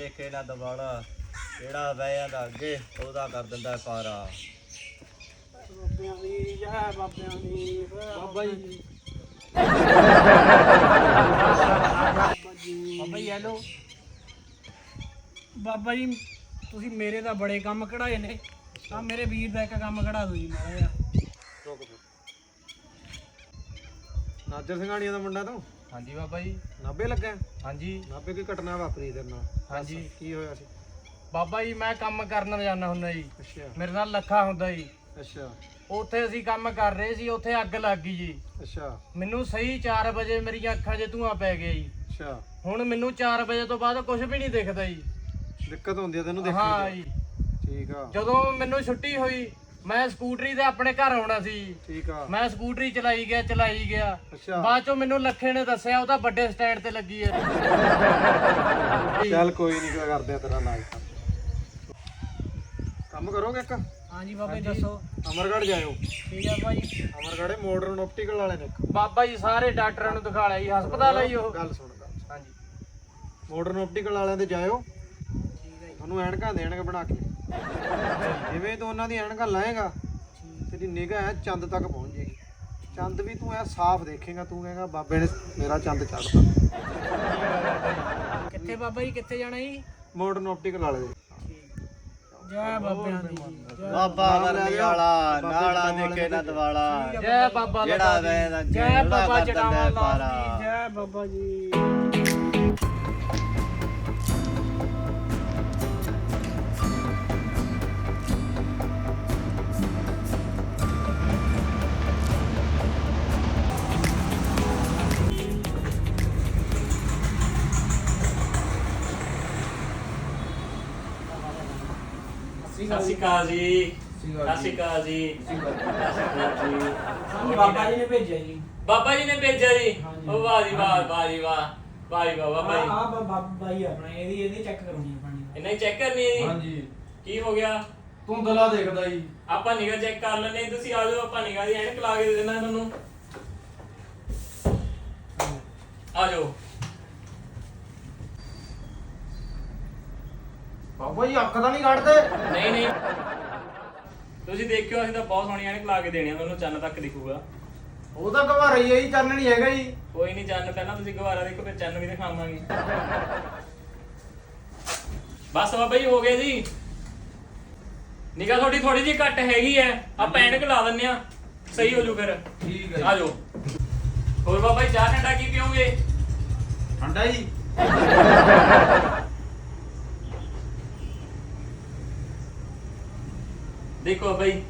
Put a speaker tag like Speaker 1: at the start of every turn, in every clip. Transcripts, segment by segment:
Speaker 1: ਦੇਖੇ ਨਾ ਦਵਾਲਾ ਜਿਹੜਾ ਬਹਿ ਜਾਂਦਾ ਅੱਗੇ ਉਹਦਾ ਕਰ ਦਿੰਦਾ ਪਾਰਾ।
Speaker 2: ਬਾਬਿਆਂ ਦੀ ਜੈ ਬਾਬਿਆਂ ਦੀ ਬਾਬਾ ਜੀ ਬਾਬਾ ਜੀ ਹੈਲੋ ਬਾਬਾ ਜੀ ਤੁਸੀਂ ਮੇਰੇ ਤਾਂ ਬੜੇ ਕੰਮ ਕਢਾਏ ਨੇ ਆ ਮੇਰੇ ਵੀਰ ਦਾ ਇੱਕ ਕੰਮ ਕਢਾ ਦਿਓ ਜੀ ਮਾੜਾ ਜਿਹਾ।
Speaker 3: ਨਾਜਰ ਸਿੰਘਾਣੀਆਂ ਦਾ ਮੁੰਡਾ ਤੂੰ?
Speaker 1: ਹਾਂਜੀ ਬਾਬਾ ਜੀ।
Speaker 3: ਨਾਭੇ ਲੱਗਾ?
Speaker 1: ਹਾਂਜੀ।
Speaker 3: ਨਾਭੇ ਕੀ ਘਟਨਾ ਵਾਪਰੀ ਤੇਰੇ ਨਾਲ?
Speaker 1: ਹਾਂਜੀ।
Speaker 3: ਕੀ ਹੋਇਆ ਸੀ?
Speaker 2: ਬਾਬਾ ਜੀ ਮੈਂ ਕੰਮ ਕਰਨ ਜਾਂਦਾ ਹੁੰਦਾ ਜੀ।
Speaker 3: ਅੱਛਾ
Speaker 2: ਮੇਰੇ ਨਾਲ ਲੱਖਾ ਹੁੰਦਾ ਜੀ।
Speaker 3: ਅੱਛਾ
Speaker 2: ਉੱਥੇ ਅਸੀਂ ਕੰਮ ਕਰ ਰਹੇ ਸੀ, ਉੱਥੇ ਅੱਗ ਲੱਗ ਗਈ ਜੀ।
Speaker 3: ਅੱਛਾ
Speaker 2: ਮੈਨੂੰ ਸਹੀ 4 ਵਜੇ ਮੇਰੀਆਂ ਅੱਖਾਂ 'ਚ ਧੂਆਂ ਪੈ ਗਿਆ ਜੀ।
Speaker 3: ਅੱਛਾ
Speaker 2: ਹੁਣ ਮੈਨੂੰ 4 ਵਜੇ ਤੋਂ ਬਾਅਦ ਕੁਝ ਵੀ ਨਹੀਂ ਦਿਖਦਾ ਜੀ।
Speaker 3: ਦਿੱਕਤ ਹੁੰਦੀ ਆ ਤੈਨੂੰ ਦੇਖਣ
Speaker 2: ਹਾਂ
Speaker 3: ਦੀ?
Speaker 2: ਜੀ।
Speaker 3: ਠੀਕ ਆ
Speaker 2: ਜਦੋਂ ਮੈਨੂੰ ਛੁੱਟੀ ਹੋਈ ਮੈਂ ਸਕੂਟਰੀ ਤੇ ਆਪਣੇ ਘਰ ਆਉਣਾ ਸੀ।
Speaker 3: ਠੀਕ ਆ।
Speaker 2: ਮੈਂ ਸਕੂਟਰੀ ਚਲਾਈ ਗਿਆ
Speaker 3: ਅੱਛਾ
Speaker 2: ਬਾਅਦ ਚੋਂ ਮੈਨੂੰ ਲੱਖੇ ਨੇ ਦੱਸਿਆ ਉਹ ਤਾਂ ਵੱਡੇ ਸਟੈਂਡ ਤੇ ਲੱਗੀ ਹੈ।
Speaker 3: ਚੱਲ ਕੋਈ ਨਹੀਂ ਕਰਦੇ ਆ ਤੇਰਾ ਇਲਾਜ। ਕੰਮ ਕਰੋਗੇ ਇੱਕ?
Speaker 2: ਹਾਂਜੀ ਬਾਬਾ ਜੀ ਦੱਸੋ।
Speaker 3: ਅਮਰਗੜ੍ਹ ਜਾਇਓ।
Speaker 2: ਠੀਕ ਹੈ ਬਾਬਾ ਜੀ।
Speaker 3: ਅਮਰਗੜ੍ਹ ਮਾਡਰਨ ਆਪਟੀਕਲ ਵਾਲੇ ਨੇ।
Speaker 2: ਬਾਬਾ ਜੀ ਸਾਰੇ ਡਾਕਟਰਾਂ ਨੂੰ ਦਿਖਾ ਲਿਆ ਜੀ, ਹਸਪਤਾਲ ਆ ਜੀ ਉਹ।
Speaker 3: ਗੱਲ ਸੁਣ ਗੱਲ।
Speaker 2: ਹਾਂਜੀ
Speaker 3: ਮਾਡਰਨ ਆਪਟੀਕਲ ਵਾਲਿਆਂ ਦੇ ਜਾਇਓ, ਤੁਹਾਨੂੰ ਐਨਕਾਂ ਦੇਣਗੇ ਬਣਾ ਕੇ। ਜਿਵੇਂ ਤੂੰ ਉਹਨਾਂ ਦੀ ਐਨਕਾਂ ਲਾਏਗਾ ਤੇਰੀ ਨਿਗਾਹ ਚੰਦ ਤੱਕ ਪਹੁੰਚ ਜਾਏਗੀ। ਚੰਦ ਵੀ ਤੂੰ ਐ ਸਾਫ਼ ਦੇਖੇਗਾ, ਤੂੰ ਕਹੇਗਾ ਬਾਬੇ ਨੇ ਮੇਰਾ ਚੰਦ ਚੜ੍ਹਤਾ।
Speaker 2: ਕਿੱਥੇ ਬਾਬਾ ਜੀ ਕਿੱਥੇ ਜਾਣਾ ਜੀ?
Speaker 3: ਮਾਡਰਨ ਆਪਟੀਕਲ ਵਾਲੇ ਦੇ।
Speaker 2: ਜੈ ਬਾਬਿਆਂ ਦੀ ਜੈ
Speaker 1: ਬਾਬਾ ਵਰਨੀ ਵਾਲਾ ਨਾਲਾ ਦੇਖੇ ਨਾ ਦਵਾਲਾ
Speaker 2: ਜੈ ਬਾਬਾ
Speaker 1: ਜਿਹੜਾ
Speaker 2: ਲੱਗਾ
Speaker 1: ਬਹਿ ਜਾਂਦਾ
Speaker 2: ਜੀ। ਜੈ ਬਾਬਾ
Speaker 1: ਕਰ ਦਿੰਦਾ
Speaker 2: ਚੜਾਵਾ ਲਾਲ
Speaker 1: ਪਾਰਾ।
Speaker 2: ਜੀ। ਜੈ ਬਾਬਾ ਜੀ।
Speaker 4: ਸਤਿ ਸ਼੍ਰੀ ਅਕਾਲ ਜੀ। ਸਤਿ ਸ਼੍ਰੀ ਅਕਾਲ ਜੀ।
Speaker 2: ਸਾਨੂੰ ਬਾਬਾ ਜੀ ਨੇ ਭੇਜਿਆ ਜੀ।
Speaker 4: ਬਾਬਾ ਜੀ ਨੇ ਭੇਜਿਆ ਜੀ।
Speaker 2: ਹਾਂਜੀ।
Speaker 4: ਉਹ ਵਾਹ ਜੀ ਵਾਹ, ਵਾਹ ਜੀ ਵਾਹ, ਵਾਹ ਜੀ ਵਾਹ ਬਾਬਾ ਜੀ।
Speaker 2: ਬਾਬਾ ਜੀ ਆਪਣਾ ਇਹਦੀ ਚੈੱਕ ਕਰਨੀ ਹੈ ਪਾਣੀ।
Speaker 4: ਇਹਨਾਂ ਹੀ ਚੈੱਕ ਕਰਨੀ ਹੈ ਜੀ।
Speaker 5: ਹਾਂਜੀ
Speaker 4: ਕੀ ਹੋ ਗਿਆ?
Speaker 5: ਧੁੰਦਲਾ ਦੇਖਦਾ ਜੀ।
Speaker 4: ਆਪਾਂ ਨਿਗਾਹ ਚੈੱਕ ਕਰ ਲੈਣੇ, ਤੁਸੀਂ ਆ ਜਾਓ, ਆਪਾਂ ਨਿਗਾਹ ਦੀ ਐਨਕ ਲਾ ਕੇ ਦੇ ਦੇਣਾ ਤੁਹਾਨੂੰ। ਆ ਜਾਓ।
Speaker 5: ਬਾਬਾ ਜੀ ਅੱਖ ਤਾਂ ਨਹੀਂ ਕੱਢਦੇ?
Speaker 4: ਨਹੀਂ ਨਹੀਂ, ਤੁਸੀਂ ਦੇਖਿਓ, ਅਸੀਂ ਤਾਂ ਬਹੁਤ ਸੋਹਣੀ ਐਨਕ ਲਾ ਕੇ ਦੇਣੀ ਆ ਤੁਹਾਨੂੰ, ਚੰਨ ਤੱਕ ਦਿਖੂਗਾ।
Speaker 5: ਉਹ ਤਾਂ ਘਵਾ ਰਹੀ ਹੈ ਜੀ, ਚੰਨ ਨਹੀਂ ਹੈਗਾ ਜੀ।
Speaker 4: ਕੋਈ ਨਹੀਂ, ਚੰਨ ਪਹਿਲਾਂ ਤੁਸੀਂ ਗਵਾਰਾ ਦੇਖੋ, ਫਿਰ ਚੰਨ ਵੀ ਦਿਖਾਵਾਂਗੇ। ਬਸ ਬਾਬਾ ਜੀ ਹੋ ਗਿਆ ਜੀ। ਨਿਗਾਹ ਤੁਹਾਡੀ ਥੋੜੀ ਜਿਹੀ ਘੱਟ ਹੈਗੀ ਐ, ਆਪਾਂ ਐਨਕ ਲਾ ਦਿੰਨੇ ਆ, ਸਹੀ ਹੋ ਜੂ ਫਿਰ।
Speaker 5: ਠੀਕ ਹੈ
Speaker 4: ਆ ਜਾਓ। ਹੋਰ ਬਾਬਾ ਜੀ ਚਾਹ ਠੰਡਾ ਕੀ ਪੀਓਗੇ?
Speaker 5: ਠੰਡਾ ਜੀ।
Speaker 4: ਦੇਖੋ ਬਾਬਾ ਜੀ।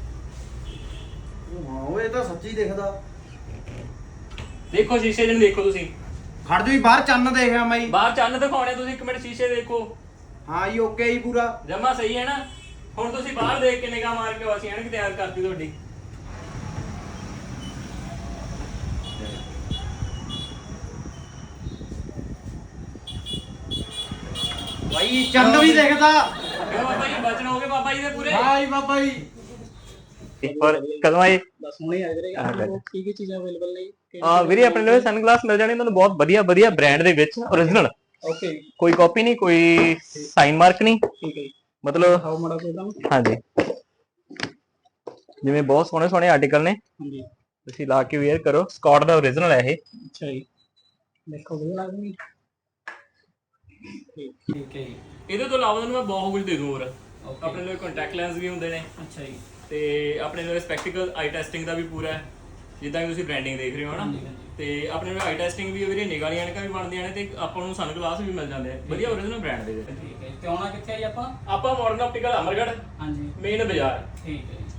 Speaker 5: ਹਾਂ ਉਹ ਇਹ ਤਾਂ ਸੱਚੀ ਦਿਖਦਾ।
Speaker 4: ਦੇਖੋ ਸ਼ੀਸ਼ੇ ਜਿਹਨੂੰ ਦੇਖੋ ਤੁਸੀਂ।
Speaker 5: ਖੜ ਜੋ ਜੀ, ਬਾਹਰ ਚੰਨ ਦੇਖਿਆ ਮੈਂ ਜੀ।
Speaker 4: ਬਾਹਰ ਚੰਨ ਦਿਖਾਉਣੇ ਤੁਸੀਂ, ਇੱਕ ਮਿੰਟ ਸ਼ੀਸ਼ੇ ਦੇਖੋ।
Speaker 5: ਹਾਂ ਜੀ ਓਕੇ ਜੀ ਪੂਰਾ।
Speaker 4: ਜਮਾ ਸਹੀ ਹੈ ਨਾ? ਹੁਣ ਤੁਸੀਂ ਬਾਹਰ ਦੇਖ ਕੇ ਨਿਗਾਹ ਮਾਰ ਕੇ ਅਸੀਂ ਐਨਕ ਤਿਆਰ ਕਰਤੀ ਤੁਹਾਡੀ।
Speaker 5: ਬਾਈ ਚੰਨ ਵੀ ਦਿਖਦਾ।
Speaker 4: ਕਿਉਂ ਬਾਬਾ ਜੀ ਬਚਨ ਹੋ ਗਏ ਬਾਬਾ ਜੀ ਦੇ ਪੂਰੇ?
Speaker 5: ਹਾਂ ਜੀ ਬਾਬਾ ਜੀ।
Speaker 4: ਔਰ ਕਦੋਂ ਆਏ?
Speaker 2: ਬਸ ਹੁਣੇ ਆ ਵੀਰੇ। ਕੀ ਕੀ ਚੀਜ਼ਾਂ ਅਵੇਲੇਬਲ ਨੇ?
Speaker 4: ਵੀਰੇ ਆਪਣੇ ਲਈ ਸਨਗਲਾਸ ਮਿਲ ਜਾਣੇ ਤੁਹਾਨੂੰ ਬਹੁਤ ਵਧੀਆ ਵਧੀਆ ਬ੍ਰਾਂਡ ਦੇ ਵਿੱਚ, origignal।
Speaker 2: ਓਕੇ
Speaker 4: ਕੋਈ ਕਾਪੀ ਨਹੀਂ, ਕੋਈ ਸਾਈਨ ਮਾਰਕ ਨਹੀਂ,
Speaker 2: ਠੀਕ ਹੈ ਜੀ।
Speaker 4: ਮਤਲਬ
Speaker 2: ਹਾਉ ਮਾੜਾ ਕੋਈ ਤਾਂ
Speaker 4: ਹਾਂਜੀ ਜਿਵੇਂ ਬਹੁਤ ਸੋਹਣੇ ਸੋਹਣੇ ਆਰਟੀਕਲ ਨੇ,
Speaker 2: ਹਾਂਜੀ
Speaker 4: ਤੁਸੀਂ ਲਾ ਕੇ ਵੇਅਰ ਕਰੋ। ਸਕਾਟ ਦਾ origignal ਹੈ ਇਹ।
Speaker 2: ਅੱਛਾ ਜੀ। ਦੇਖੋ ਵਧੀਆ ਲੱਗਦੀ। ਠੀਕ ਹੈ ਜੀ।
Speaker 4: ਇਹਦੇ ਤੋਂ ਇਲਾਵਾ ਤੁਹਾਨੂੰ ਮੈਂ ਬਹੁਤ ਕੁਝ ਦੇ ਦੂੰ ਹੋਰ। ਆਪਣੇ ਲਈ ਕੰਟੈਕਟ ਲੈਂਸ ਵੀ ਹੁੰਦੇ ਨੇ,
Speaker 2: ਅੱਛਾ ਜੀ।
Speaker 4: ਤੇ ਆਪਣੇ ਲਈ ਸਪੈਕਟੀਕਲ ਆਈ ਟੈਸਟਿੰਗ ਦਾ ਵੀ ਪੂਰਾ ਹੈ, ਜਿੱਦਾਂ ਕਿ ਤੁਸੀਂ ਬ੍ਰਾਂਡਿੰਗ ਦੇਖ ਰਹੇ ਹੋ ਨਾ। ਤੇ ਆਪਣੇ ਲਈ ਆਈ ਟੈਸਟਿੰਗ ਵੀ, ਵੀਰੇ ਨਿਗਾਹ ਵਾਲੀਆਂ ਐਨਕਾਂ ਵੀ ਬਣਦੀਆਂ ਨੇ, ਤੇ ਆਪਾਂ ਨੂੰ ਸਨਗਲਾਸ ਵੀ ਮਿਲ ਜਾਂਦੇ ਆ ਵਧੀਆ origignal ਬ੍ਰਾਂਡ ਦੇ ਵਿੱਚ।
Speaker 2: ਠੀਕ ਹੈ। ਤੇ ਆਉਣਾ ਕਿੱਥੇ ਆ ਜੀ ਆਪਾਂ?
Speaker 4: ਆਪਾਂ ਮਾਡਰਨ ਆਪਟੀਕਲ ਅਮਰਗੜ੍ਹ
Speaker 2: ਹਾਂਜੀ
Speaker 4: ਮੇਨ ਬਾਜ਼ਾਰ।
Speaker 2: ਠੀਕ ਹੈ।